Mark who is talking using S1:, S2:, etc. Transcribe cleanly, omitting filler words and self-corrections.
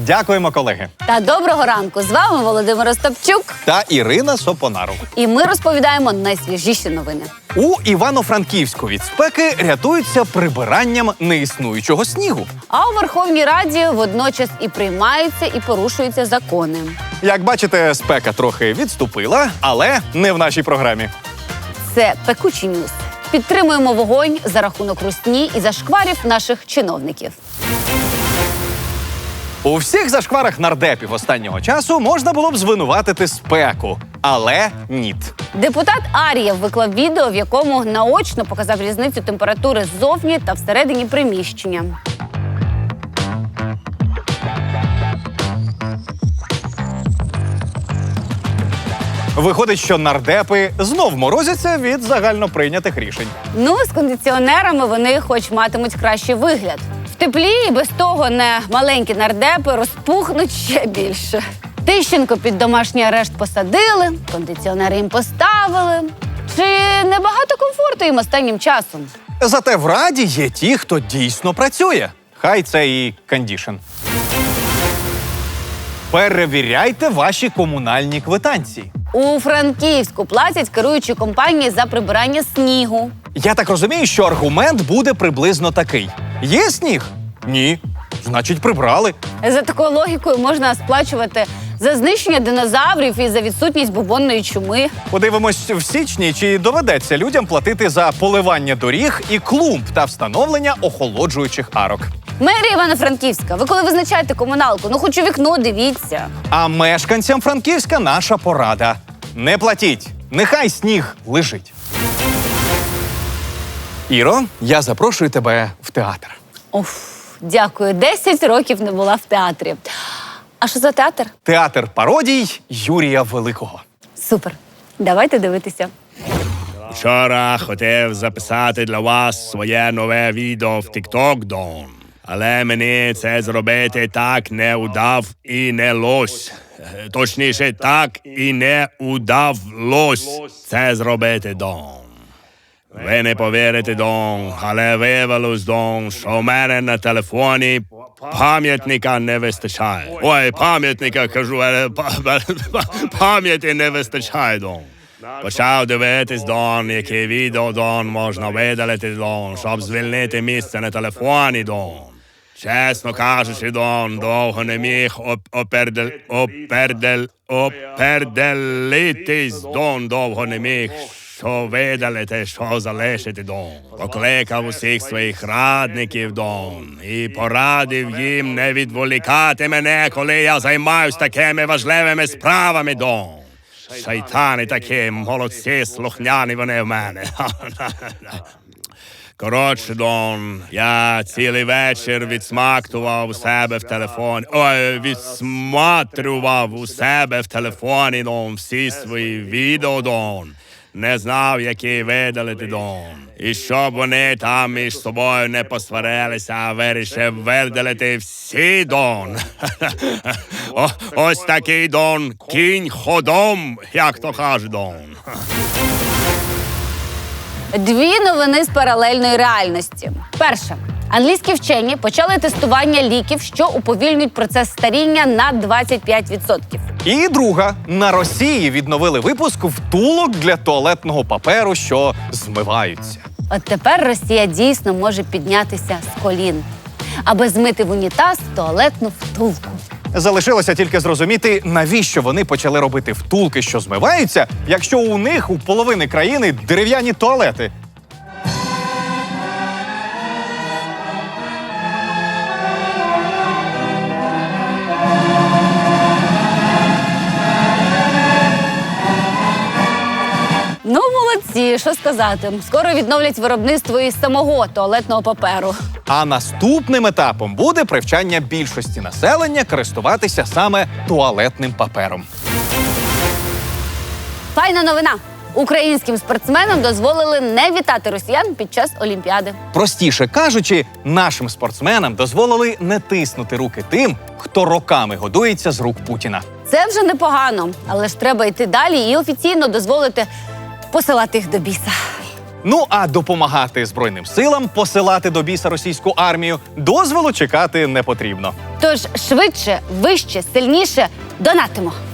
S1: Дякуємо, колеги.
S2: Та доброго ранку! З вами Володимир Остапчук.
S1: Та Ірина Сопонару.
S2: І ми розповідаємо найсвіжіші новини.
S1: У Івано-Франківську від спеки рятуються прибиранням неіснуючого снігу.
S2: А у Верховній Раді водночас і приймаються, і порушуються закони.
S1: Як бачите, спека трохи відступила, але не в нашій програмі.
S2: Це пекучі ньюс. Підтримуємо вогонь за рахунок русні і зашкварів наших чиновників.
S1: У всіх зашкварах нардепів останнього часу можна було б звинуватити спеку. Але ніт.
S2: Депутат Ар'єв виклав відео, в якому наочно показав різницю температури ззовні та всередині приміщення.
S1: Виходить, що нардепи знов морозяться від загальноприйнятих рішень.
S2: Ну, з кондиціонерами вони хоч матимуть кращий вигляд. В теплі і без того не маленькі нардепи розпухнуть ще більше. Тищенко під домашній арешт посадили, кондиціонери їм поставили. Чи небагато комфорту їм останнім часом?
S1: Зате в Раді є ті, хто дійсно працює. Хай це і кондішн. Перевіряйте ваші комунальні квитанції.
S2: У Франківську платять керуючі компанії за прибирання снігу.
S1: Я так розумію, що аргумент буде приблизно такий. Є сніг? Ні. Значить, прибрали.
S2: За такою логікою можна сплачувати за знищення динозаврів і за відсутність бубонної чуми.
S1: Подивимось в січні, чи доведеться людям платити за поливання доріг і клумб та встановлення охолоджуючих арок.
S2: Мерія Івано-Франківська, ви коли визначаєте комуналку, ну хоч у вікно дивіться.
S1: А мешканцям Франківська наша порада. Не платіть. Нехай сніг лежить. Іро, я запрошую тебе в театр.
S2: Дякую. 10 років не була в театрі. А що за театр?
S1: Театр пародій Юрія Великого.
S2: Супер. Давайте дивитися.
S3: Вчора хотів записати для вас своє нове відео в TikTok, Дон. Але мені це зробити так не удав і не лось. Точніше, так і не удавлось це зробити, Дон. Ви не повірите, Дон, але виявилось, Дон, що в мене на телефоні пам'ятника не вистачає. Ой, пам'ятника, кажу, але пам'яті не вистачає, Дон. Почав дивитись, Дон, які відео, Дон, можна видалити, Дон, щоб звільнити місце на телефоні, Дон. Чесно кажучи, Дон, довго не міг оперделитись, Дон, довго не міг, що видалити, що залишити, Дон. Покликав усіх своїх радників, Дон, і порадив їм не відволікати мене, коли я займаюсь такими важливими справами, Дон. Шайтани такі, молодці, слухняні вони в мене. Коротше, Дон, я цілий вечір відсмактував у себе в телефоні. Відсматрював у себе в телефоні, Дон, всі свої відео, Дон. Не знав, які видалити, Дон. І щоб вони там між собою не посварилися, вирішив видалити всі, Дон. Ось такий, Дон, кінь ходом, як то каже, Дон.
S2: Дві новини з паралельної реальності. Перша. Англійські вчені почали тестування ліків, що уповільнюють процес старіння на 25%.
S1: І друга. На Росії відновили випуск втулок для туалетного паперу, що змиваються.
S2: От тепер Росія дійсно може піднятися з колін, аби змити в унітаз туалетну втулку.
S1: Залишилося тільки зрозуміти, навіщо вони почали робити втулки, що змиваються, якщо у них у половини країни дерев'яні туалети.
S2: Ну, молодці, що сказати. Скоро відновлять виробництво і самого туалетного паперу.
S1: А наступним етапом буде привчання більшості населення користуватися саме туалетним папером.
S2: Файна новина. Українським спортсменам дозволили не вітати росіян під час Олімпіади.
S1: Простіше кажучи, нашим спортсменам дозволили не тиснути руки тим, хто роками годується з рук Путіна.
S2: Це вже непогано, але ж треба йти далі і офіційно дозволити посилати їх до біса.
S1: Ну, а допомагати Збройним силам посилати до біса російську армію дозволу чекати не потрібно.
S2: Тож швидше, вище, сильніше донатимо.